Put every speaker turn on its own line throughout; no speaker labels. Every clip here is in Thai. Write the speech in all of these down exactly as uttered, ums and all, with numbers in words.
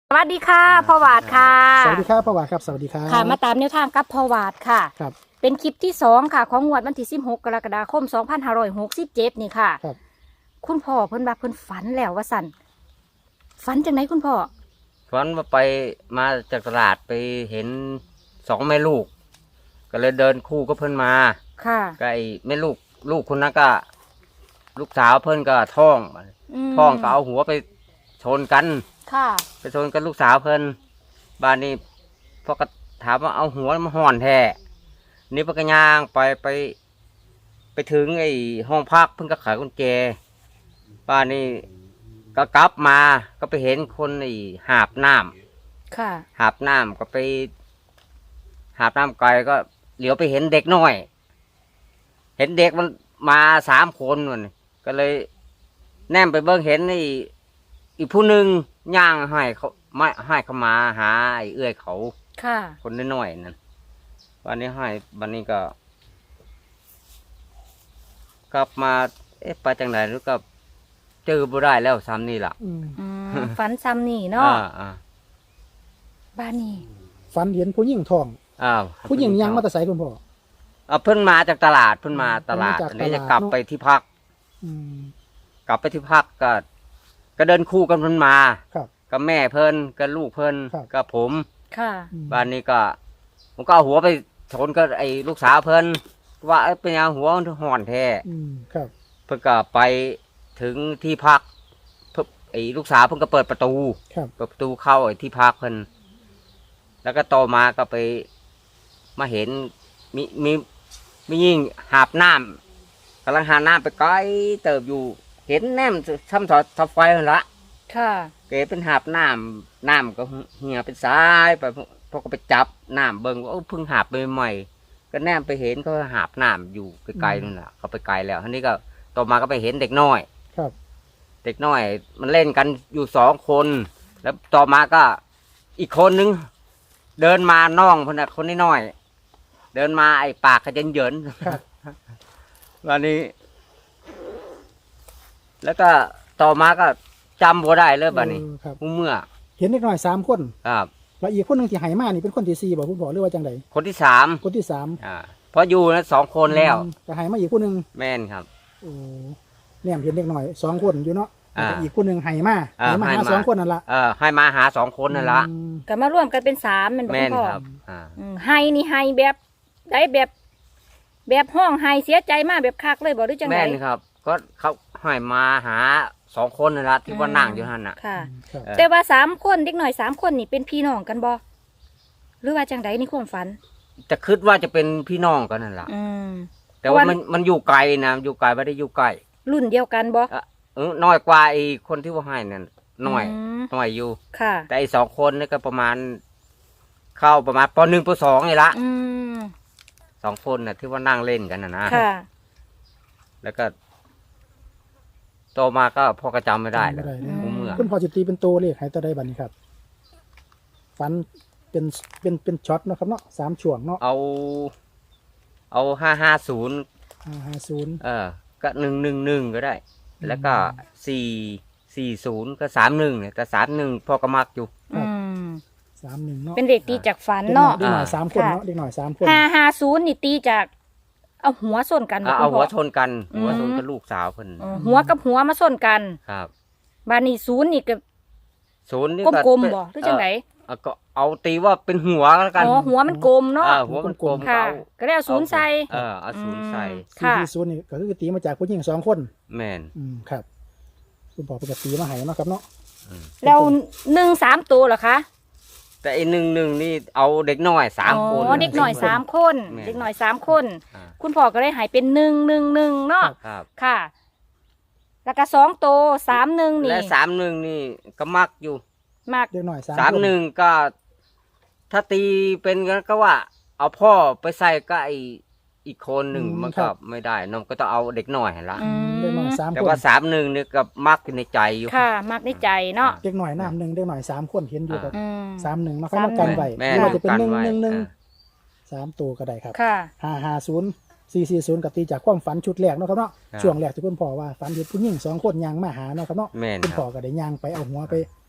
สวัสดีค่ะพ่อวาดค่ะ
สวัสดีครับพ่อวาดครับสวัสดีครับ
ค่ะมาตามแนวทางกับพ่อวาดค่ะ
ครับ
เป็นคลิปที่สองค่ะของงวดวันที่สิบหกกรกฎาคมสองพันห้าร้อยหกสิบเจ็ดนี่ค่ะ
ครับ
คุณพ่อเพิ่นว่าเพิ่นฝันแล้วว่าสั่นฝันจังไหนคุณพ่อ
ฝันว่าไปมาจากตลาดไปเห็นสองแม่ลูกก็เลยเดินคู่ก็เพิ่นมา
ค่ะ
ก็ไอ้แม่ลูกลูกคนนั้นก็ลูกสาวเพิ่นก็ท้องท้องก็เอาหัวไปชนกัน
ค่ะ
ไปชนกันลูกสาวเพิ่นบ้านนี้พอก็ถามว่าเอาหัวมาห่อนแท้นี่ปกย่างไปไป ไปถึงไอ้ห้องพักเพิ่นก็ขายกุญแจบ้านนี้ก็กลับมาก็ไปเห็นคนไอ้หาบน้ำ
ค่ะ
หาบน้ำก็ไปหาบน้ำไกลก็เหลียวไปเห็นเด็กน้อย เห็นเด็กมันมาสามคนมันก็เลยแนมไปเบิ่งเห็นไอ้อีกผู้หนึ่งย่างให้เขาไม่ให้เขามาหาไอ้เอื้อยเขา
ค่ะ
คนน้อยๆนั่นวันนี้ให้วันนี้ก็กลับมาเอ๊ะไปจังไหนแล้วก็เจอบ่ได้แล้วซ้ำนี่ล่ะ
ฝันซ้ำนี่เนาะบ้านนี้
ฝันเห็นผู้หญิงทอง
อ้าว
ผู้หญิงยังมาแต่ไสคุณพ่อ
อ่าเพิ่นมาจากตลาดเพิ่นมาตลาดอันนี้จะกลับไปที่พักกลับไปที่พักก็ก็เดินคู่กันเพิ่นมากับแม่เพิ่นกับลูกเพิ่นกับผม
ค่ะ
บ้านนี้ก็ผมก็เอาหัวไปชนกับไอ้ลูกสาวเพิ่นว่าเป็นยังหัวห่อนแท้เพิ่นก็ไปถึงที่พักไอ้ลูกสาวเพิ่นก็เปิดประตูเปิดประตูเข้าไอ้ที่พักเพิ่นแล้วก็ต่อมาก็ไปมาเห็นมีมีมียิ่งหาบน้ำกำลังหาน้ำไปไกลเติบอยู่เห็นแนมซ้ำถอดทับไฟละ
ค่ะ
เกเป็นหาบน้ำน้ำก็เหี่ยเป็นสายไปพอก็ไปจับน้ำเบิ่งว่าเพิ่งหาบไปใหม่ก็แนมไปเห็นเขาหาบน้ำอยู่ไกลๆนั่นแหละเขาไปไกลแล้วทีนี้ก็ต่อมาก็ไปเห็นเด็กน้อย
ครับ
เด็กน้อยมันเล่นกันอยู่สองคนแล้วต่อมาก็อีกคนนึงเดินมาน้องคนนั้นคนน้อยเดินมาไอ้ปากขยันเยินวันนี้แล้วก็ต่อมาก็จำบ่ได้เลยบัดนี้เมื่อ
เห็นเด็กน้อยสามคน
ครับ
แล้วอีกคนหนึ่งที่หายมานี่เป็นคนที่สี่บอกคุณพ่อหรือว่าจังได
คนที่สาม
คนที่สาม
อ่าเพราะอยู่นะสองคนแล้ว
แต่หายมาอีกคนหนึ่ง
แม่นครับ
โอ้เนี่ยเห็นเด็กน้อยสองคนอยู่เนาะอีกคนหนึ่งหายมาหายมาหาสองคนนั่นละ
เออให้มาหาสองคนนั่นละ
ก็มาร่วมกันเป็นสามเป็น
แม่นครับ
อ่าให้นี่ให้แบบได้แบบแบบห้องให้เสียใจมากแบบคักเลยบอกหรือจังไง
แม่นครับก็เขาให้มาหาสองคนนั่นละที่ว่านั่งอยู่นั่นน่ะ
ค่ะแต่ว่าสามคนเด็กหน่อยสามคนนี่เป็นพี่น้องกันบ่หรือว่าจังไดในความฝัน
จะคิดว่าจะเป็นพี่น้องกันนั่นแหละแต่ว่ามันมันอยู่ไกลนะอยู่ไกลไม่ได้อยู่ใกล้
รุ่นเดียวกันบ่
เออน้อยกว่าไอ้คนที่ว่าให้นั่นน้อยน้อยอยู่
ค่ะ
แต่ไอ้สองคนนี่ก็ประมาณเข้าประมาณปหนึ่งปสองนี่ละสองคนน่ะที่ว่านั่งเล่นกันนะนะแล้วก็โตมาก็พ่อก็จำไม่ได้เลยเมื่อ
คุณพ่อจะตีเป็นตัวเลขให้ตัวใดบัดนี้ครับฝันเป็นเป็นเป็นช็อตนะครับเนาะสามช่วงเนาะ
เอาเอาห้าห้าศูนย์
ห้าห้าศูนย์
เออก็หนึ่งหนึ่งหนึ่งก็ได้แล้วก็สี่สี่ศูนย์ก็สามหนึ่งเนี่ยแต่สามหนึ่งพ่อก็มักอยู่
สามหนึ่งเนาะ
เป็นเด็กตีจากฝันเนาะ
เด็กหน่อยสามคนเนาะเด็กหน่อยสามคน
ห้าห้าศูนย์นี่ตีจากเอาหัวส้นกัน
เอาหัวชนกันหัวชนกับลูกสาวเพิ่น
หัวกับหัวมาส้นกัน
ครับ
บานี่ศูนย์นี่ก็
ศูนย์นี่
กลมๆบ่หรือจังไง
ก็เอาตีว่าเป็นหัวแล้วกัน
อ๋อหัวมันกลมเนาะ
หัวมันกลม
ค่ะก็ได้เอาศูนย์ใส่
เออเอาศูนย์ใส่
ค่ะศูนย์นี่ก็คือตีมาจากผู้หญิงสองคน
แม่น
อืมครับคุณบอกเป็นตีมาให้เนาะครับเนาะ
แล้วหนึ่งสามตัวเหรอคะ
แต่อีกหนึ่งหนึ่งนี่เอาเด็กน้อยสามคน
อ๋อเด็กน้อยสามคนเด็กน้อยสามคนคุณพ่อก็ได้หายเป็นหนึ่งหนึ่งหนึ่งเนาะค่ะแล้วก็สองโตสามหนึ่งนี่
และสามหนึ่งนี่ก็มักอยู่
มัก
เด็กน้อย
สามหนึ่งก็ถ้าตีเป็นกันก็ว่าเอาพ่อไปใส่ก็ไออีกคนหนึ่งมันก็ไม่ได้น้องก็ต้องเอาเด็กน้อยละ
เด็กน้อยสามคน
แต่ว่าสามหนึ่งนี่ก็มักในใจอยู่
ค่ะมักในใจเนาะ
เด็กน้อยน้ำหนึ่งเด็กน้อยสามคนเห็นอยู่แบบสามหนึ่งมาค่อยมากันไว้ไม่ว่าจะเป็นหนึ่งหนึ่งหนึ่งสามตัวก็ได้ครับห้าห้าศูนย์สี่สี่ศูนย์กับตีจากความฝันชุดแรกเนาะครับเนาะช่วงแรกที่คุณพ่อว่าฝันเห็นผู้หญิงสองคนยางมาหาเนาะครับเนาะคุณพ่อก็ได้ยางไปเอาหัวไป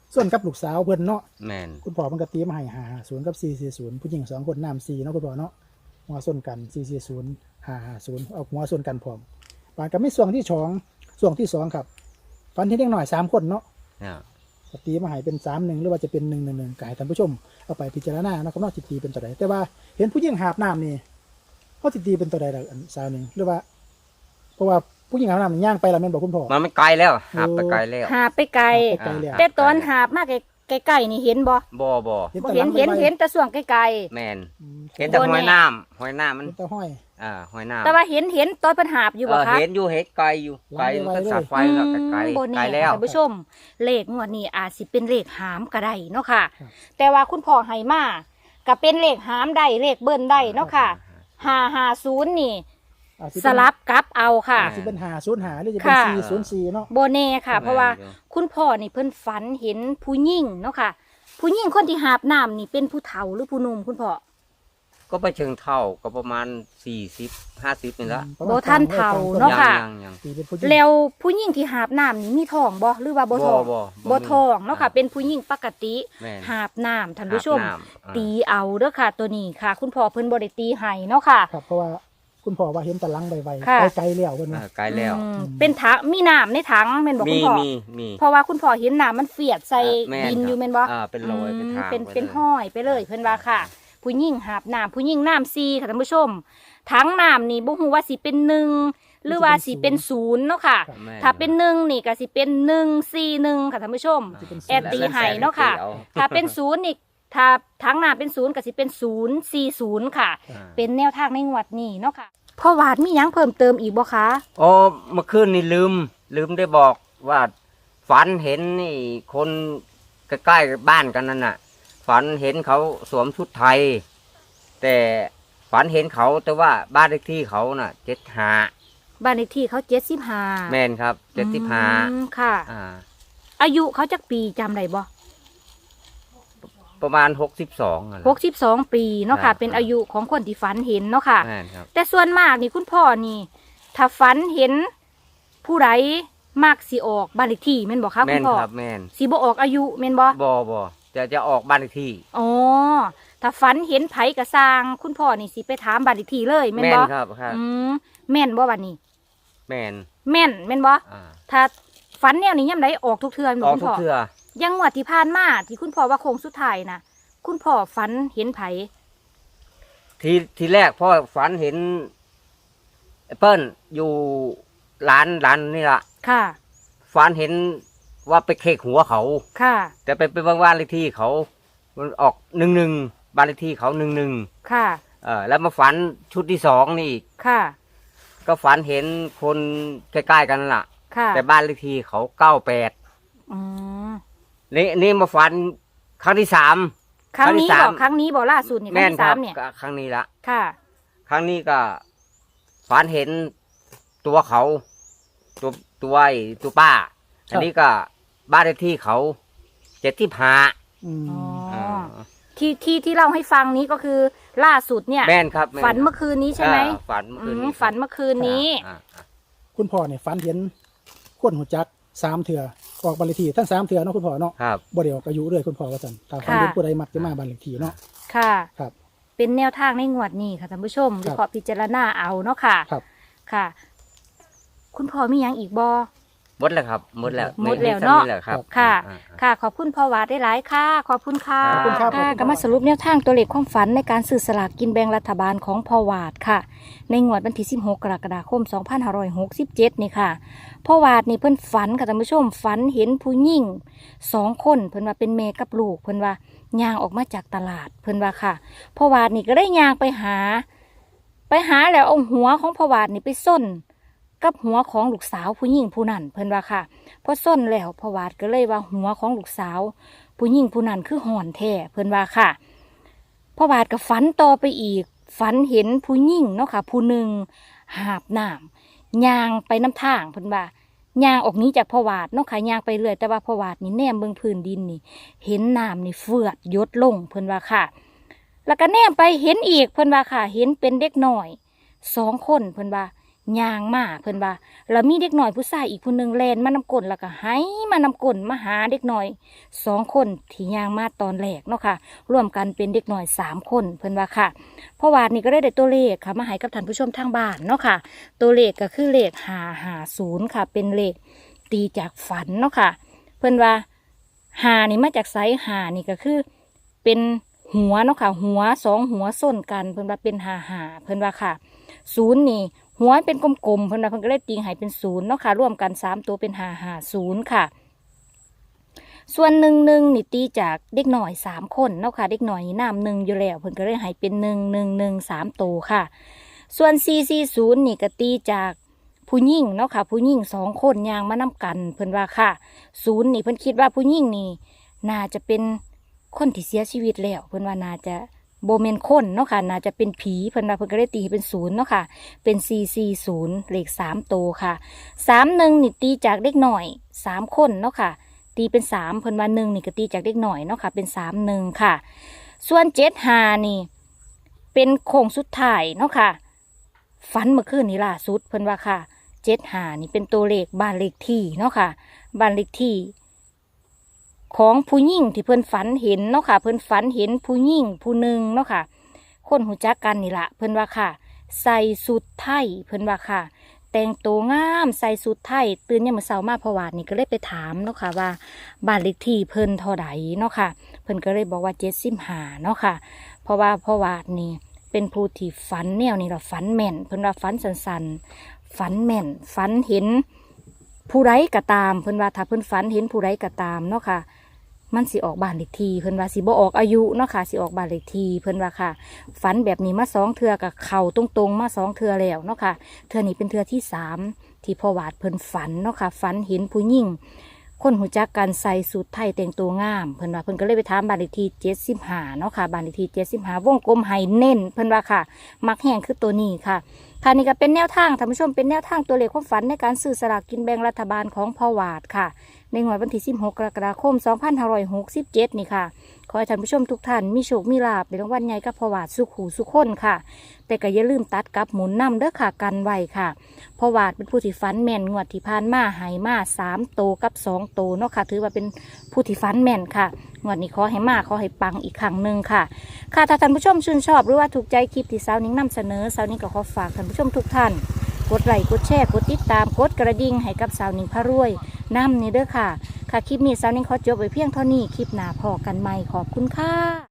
ส่วนกับลูกสาวเพิ่นเนาะ
แม่น
คุณพ่อมันก็ตีมาให้ห้าห้าศูนย์กับสี่สี่ศูนย์ผู้หญิงสองคนน้ำสี่เนาะคุณพ่อเนาะหัวส่วนกันสี่สี่ศูนย์ห้าห้าศูนย์เอาหัวส่วนกันพร้อมปานก็ไม่ส่วนที่สองส่วนที่สองครับฟันที่เล็กหน่อยสามคนเนาะ
เนี่ย
ก็ตีมาให้เป็นสามหนึ่งหรือว่าจะเป็นหนึ่งหนึ่งหนึ่งก็ให้ท่านผู้ชมเอาไปพิจารณาเนาะครับเนาะสิตีเป็นตัวใดแต่ว่าเห็นผู้หญิงหาบน้ำนี่เขาสิตีเป็นตัวใดล่ะอันสาวหนึ่งหรือว่า เพราะว่าผู้หญิงหาบน้ำนี่ย่างไปแล้วแม่นบอกคุณพ่อ
มันไม่ไกลแล้วหับไปไกลแล้ว
หาไปไกล
ไปไกลแล้ว
แต่ตอนหาบมาไกลๆนี่เห็นบ่
บ่บ่
เห็น
บ่
แต่
เห็น
หลัง
เห็น
ใบ
เห็นแต่ส่วงไกล
แม่น
อืม
เห็นแต่หอยน้ำหอยน้ำมัน
เห็นแต่ห้อย
อ่าหอยน้ำ
ๆแต่ว่าเห็นเห็นตอนเพิ่นหาบอยู่
เอ
บ่
อ
คะ
เห็นอยู่เห็นไกลอยู่ไกลมันก็สับไฟแล้วก็ไกล
อืมบ่
ไกล
แน่
แล้ว
ท่านผู้ชม เลขงวดนี้อาจสิเป็นเลขหามก็ได้เนาะค่ะ แต่ว่าคุณพ่อให้มาก็เป็นเลขหามได้เลขเบิ้นได้เนาะค่ะห้าห้าศูนย์นี่
อาจสิ
ส
เป็น
ลับกลับเอาค่ะ
อาจจะเป็นหาศูนย์หาหรือจะเป็น
ค่ะ
สี่ศูนย์สี่เนาะ
โบเน่ค่ะ เพราะว่าคุณพ่อนี่เพิ่นฝันเห็นผู้หญิงเนาะค่ะ ผู้หญิงคนที่หาบน้ำนี่เป็นผู้เฒ่าหรือผู้หนุ่มคุณพ่อ
ก็ไปเชิงเท่าก็ประมาณสี่สิบห้าสิบนี่ละ
ประ
โบ
มณ
ท่านเฒ่าเนาะ
ยัง
ค่ะ
ยังยัง
ตีเป็นผู้หญิง
แล้วผู้หญิงที่หาบน้ำนี่มีทองบ่หรือว่าบ่ทอง
บ่
บ่ทองเนาะค่ะ เป็นผู้หญิงปกติ
แม่น
หาบน้ำท่านผู้ชม
หาบน้ำอ่า
ตีเอาเด้อค่ะ ตัวนี้ค่ะ คุณพ่อเพิ่นบ่ได้ตีให้เนาะค่ะ
ครับเพราะว่าคุณพ่อว่าเห็นแต่หลังใบๆ
ค่ะ
ไกลๆแล้วเพิ่น
อ่า
ว่า
ไกลแล้ว
อืมเป็นถังมีน้ำในถังแม่นบ่
มี
คุณพ่อ
มีมี
เพราะว่าคุณพ่อเห็นน้ำมันเฟียดใส่
แม่น
ดิน
ครับ
อยู่แม่นบ่
อ่าเป็นรอยเป็นทาง
เป็น
ไว้
เป็น
เลย
ห้อยไปเลยเพิ่นว่าค่ะ ผู้หญิงหาบน้ำผู้หญิงน้ำซีค่ะท่านผู้ชมถังน้ำนี่บ่ฮู้ว่าสิเป็นหนึ่งหรือว่าสิเป็นศูนย์เนาะค่ะ
แม่น
ถ้าเป็นหนึ่งนี่ก็สิเป็นหนึ่งสี่หนึ่งค่ะท่านผู้ชม
จะเป็น
แอดตีให้เนาะค่ะ
เอา
ถ้าเป็นศูนย์นี่ถ้าถังน้ำเป็นศูนย์ก็สิเป็นศูนย์สี่ศูนย์ค่ะ
อ่า
เป็นแนวทางในงวดนี้เนาะค่ะพ่อวาดมีหยังเพิ่มเติมอีกบ่คะ
อ๋อเมื่อคืนนี่ลืม ลืมได้บอกว่าฝันเห็นนี่คนใกล้ๆบ้านกันนั่นน่ะ ฝันเห็นเขาสวมชุดไทย แต่ฝันเห็นเขาแต่ว่าบ้านเลขที่เขาน่ะเจ็ดห้า
บ้านเลขที่เขาเจ็ดสิบห้า
แม่นครับเจ็ดสิบห้า
ค่ะ
อ่า
อายุเขาจักปีจำได้บ่
ประมาณหกสิบสอง
หกสิบสองปีเนาะค่ะ
ครับ
เป็นอายุของคนที่ฝันเห็นเนาะค่ะ
แม่นครับ
แต่ส่วนมากนี่คุณพ่อนี่ ถ้าฝันเห็นผู้ใดมากสิออกบ้านเลขที่แม่นบอกคะคุ
แม่
ณ
น
พ่อ
ครับแม่น
สิบ่ออกอายุแม่นบ่
บ่บ่จะจะออกบ้านเลขที่
อ๋อถ้าฝันเห็นไผกระสร้าง คุณพ่อนี่สิไปถามบ้านเลขที่เลยแม่น
แม่น
บ่
ครับครับ
อืมแม่นบ่บัดนี้
แม่น
แม่นแม่นบ่
อ่า
ถ้าฝันแนวนี้ยามใดออกทุกเทื่อแม่น
อ
บ่
อก
คุณ
ทุก
พ่อ
เทื่อ
ยังงวดที่ผ่านมาที่คุณพ่อว่าโค้งสุดท้ายน่ะ คุณพ่อฝันเห็นไผ
ทีทีแรกพ่อฝันเห็นแอปเปิ้ลอยู่ร้านร้านนี่ละ
ค่ะ
ฝันเห็นว่าไปเคกหัวเขา
ค่ะ
แต่ไปไปบ้านบ้านเลขที่เขา มันออกหนึ่งหนึ่งบ้านเลขที่เขาหนึ่งหนึ่ง
ค่ะ
เออแล้วมาฝันชุดที่สองนี่อีก
ค่ะ
ก็ฝันเห็นคนใกล้ๆกันนั่นล่ะ
ค่ะ
แต่บ้านเลขที่เขาเก้าแปด
อืม
นี่นี่มาฝันครั้งที่สาม
ครั้งนี้
ครั้งที่สาม
บอกครั้งนี้บอกล่าสุดนี่ครั้
แม่
ง
น
ที่
ค
สา
รั
ม
บ
เนี่ย
ก็ครั้งนี้ละ
ค่ะ
ครั้งนี้ก็ฝันเห็นตัวเขาตัวตัวไอ้ตัวป้า อันนี้ก็บ้านเลขที่เขาเจ็ดที่พา
อืม
อ๋อ ที่ที่ที่เล่าให้ฟังนี้ก็คือล่าสุดเนี่ย
แม่นครับแม่น
ฝันเมื่อคืนนี้ใช่ไหม
อ่าฝันเมื่อคืน
อื
นี้
มฝันเมื่อคืนนี้
อ่าอ่า
คุณพ่อเนี่ยฝันเห็นคนหัวจักสามเถื่อออกบันเลขที่ทั้งสามเถื่อเนาะคุณพ่อเนาะ
ครับ
บ่ได้ออกอายุเลยคุณพ่อว่าซั่นถ้าฝัน
ค่ะ
เห็นผู้ใดมักจะมาบันเลขที่เนาะ
ค่ะ
ครับ
เป็นแนวทางในงวดนี้ค่ะท่านผู้ชม
ครับ
วิเคราะห์พิจารณาเอาเนาะค่ะ
ครับ
ค่ะ คุณพ่อมีหยังอีกบอ
หมดแล้วครับหมดแล้ว
หมดแล้ว
ไซ้ำ
เนาะ
แหลครับ
ค่ะ
อ่าอ่า
ค่ะ ขอบคุณพ่อวาดได้หลายค่ะ ขอบคุณค่ะ
ขอบคุณครับ
ค่ะก็มาสรุปแนวทางตัวเลขความฝันในการซื้อสลากกินแบ่งรัฐบาลของพ่อวาดค่ะ ในงวดวันที่สิบหกกรกฎาคมสองพันห้าร้อยหกสิบเจ็ดนี่ค่ะพ่อวาดนี่เพิ่นฝันค่ะท่านผู้ชมฝันเห็นผู้หญิงสองคนเพิ่นว่าเป็นแม่กับลูกเพิ่นว่าย่างออกมาจากตลาดเพิ่นว่าค่ะพ่อวาดนี่ก็ได้ย่างไปหา ไปหาแล้วเอาหัวของพ่อวาดนี่ไปส้นกับหัวของลูกสาวผู้หญิงผู้นั้นเพิ่นว่าค่ะพอส้นแล้วพ่อวาดก็เลยว่าหัวของลูกสาว ผู้หญิงผู้นั้นคือห่อนแท้เพิ่นว่าค่ะพ่อวาดก็ฝันต่อไปอีกฝันเห็นผู้หญิงเนาะค่ะผู้หนึ่งหาบน้ำย่างไปน้ำทางเพิ่นว่าย่างออกนี้จากพ่อวาดเนาะค่ะย่างไปเรื่อยแต่ว่าพ่อวาดนี่แนมเบิ่งพื้นดินนี่ เห็นน้ำนี่เฟือดหยดลงเพิ่นว่าค่ะ แล้วก็แนมไปเห็นอีกเพิ่นว่าค่ะ เห็นเป็นเด็กน้อยสองคนเพิ่นว่าย่างมาเพิ่นว่าแล้วมีเด็กหน่อยผู้ชายอีกผู้หนึงแล่นมานำกลนแล้วก็ให้มานำกลนมาหาเด็กหน่อยสองคนที่ย่างมาตอนแรกเนาะค่ะรวมกันเป็นเด็กหน่อยสามคนเพิ่นว่าค่ะเพราะว่านี่ก็ได้ได้ตัวเลขค่ะมาให้กับท่านผู้ชมทางบ้านเนาะค่ะตัวเลขก็คือเลขห้าห้าศูนย์ค่ะเป็นเลขตีจากฝันเนาะค่ะเพิ่นว่าหานี่มาจากไสหานี่ก็คือเป็นหัวเนาะค่ะหัวสองหัวส้นกันเพิ่นว่าเป็นหาหาเพิ่นว่าค่ะศูนย์นี่หัวเป็นกลมๆเพิ่นว่าเพิ่นก็เลยตีให้เป็นศูนย์เนาะค่ะรวมกันสามตัวเป็นหาหาศูนย์ค่ะส่วนหนึ่งหนึ่งนี่ตีจากเด็กหน่อยสามคนเนาะค่ะเด็กหน่อยนี่น้ำหนึ่งอยู่แล้วเพิ่นก็เลยให้เป็นหนึ่งหนึ่งหนึ่งสามตัวค่ะส่วนสี่สี่ศูนย์นี่ก็ตีจากผู้หญิงเนาะค่ะผู้หญิงสองคนยางมานํกันเพิ่นว่าค่ะศูนย์นี่เพิ่นคิดว่าผู้หญิงนี่น่าจะเป็นคนที่เสียชีวิตแล้วเพิ่นว่าน่าจะโบเมนคนเนาะค่ะน่าจะเป็นผีเพิ่นว่าเพิ่นก็เลยตีให้เป็นศูนย์เนาะค่ะเป็นสี่สี่ศูนย์เลขสามตัวค่ะสามหนึ่งนี่ตีจากเด็กหน่อยสามคนเนาะค่ะตีเป็นสามเพิ่นว่าหนึ่งนี่ก็ตีจากเด็กหน่อยเนาะค่ะเป็นสามหนึ่งค่ะส่วนเจ็ดห้านี่เป็นโค้งสุดท้ายเนาะค่ะฝันเมื่อคืนนี้ล่าสุดเพิ่นว่าค่ะเจ็ดห้านี่เป็นตัวเลขบ้านเลขที่เนาะค่ะบ้านเลขที่ของผู้หญิงที่เพิ่นฝันเห็นเนาะค่ะเพิ่นฝันเห็นผู้หญิงผู้หนึ่งเนาะค่ะคนหูจักกันนี่ละเพิ่นว่าค่ะใส่สุดไทยเพิ่นว่าค่ะแต่งตัวงามใส่สุดไทยตื่นยามมื้อเช้ามาพอวาดนี่ก็เลยไปถามเนาะค่ะว่าบ้านเลขที่เพิ่นเท่าใดเนาะค่ะเพิ่นก็เลยบอกว่าเจ็ดสิบห้าเนาะค่ะเพราะว่าพอวาดนี่เป็นผู้ที่ฝันแนวนี่เราฝันแม่นเพิ่นว่าฝันสันๆฝันแม่นฝันเห็นผู้ไรก็ตามเพิ่นว่าถ้าเพิ่นฝันเห็นผู้ไรก็ตามเนาะค่ะมันสิออกบ้านเลขที่เพิ่นว่าสิบ่ออกอายุเนาะค่ะสิออกบ้านเลขที่เพิ่นว่าค่ะฝันแบบนี้มาสองเทื่อกับเข่าตรงๆมาสองเทื่อแล้วเนาะค่ะเทื่อนี้เป็นเทื่อที่สามที่พ่อวาดเพิ่นฝันเนาะค่ะฝันเห็นผู้หญิงคนหูจักกันใส่สูทไทยแต่งตัวงามเพิ่นว่าเพิ่นก็เลยไปถามบ้านเลขที่เจ็ดสิบห้าเนาะค่ะบ้านเลขที่เจ็ดสิบห้าวงกลมให้เน้นเพิ่นว่าค่ะมักแห้งคือตัวนี้ค่ะค่ะนี่ก็เป็นแนวทางท่านผู้ชมเป็นแนวทางตัวเลขความฝันในการซื้อสลากกินแบ่งรัฐบาลของพ่อวาดค่ะในงวดวันที่สิบหกกรกฎาคมสองพันห้าร้อยหกสิบเจ็ดนี่ค่ะขอให้ท่านผู้ชมทุกท่านมีโชคมีลาภในรางวัลใหญ่กับพ่อวาดสุขหูสุขคนค่ะแต่ก็อย่าลืมตัดกับหมุนนำเด้อค่ะกันไว้ค่ะพ่อวาดเป็นผู้ที่ฝันแม่นงวดที่ผ่านมาหายมาสามโตกับสองโตเนาะค่ะถือว่าเป็นผู้ที่ฝันแม่นค่ะงวดนี้ขอให้มาขอให้ปังอีกครั้งหนึ่งค่ะค่ะถ้าท่านผู้ชมชื่นชอบหรือว่าถูกใจคลิปที่สาวนิ้งนำเสนอสาวนิ้งก็ขอฝากท่านผู้ชมทุกท่านกดไลค์กดแชร์กดติดตามกดกระดิ่งให้กับสาวนิ้งพระรวยนำนี่เด้อค่ะค่ะคลิปนี้สาวนิ้งขอจบไว้เพียงเท่านี้คลิปหน้าพอกันใหม่ขอบคุณค่ะ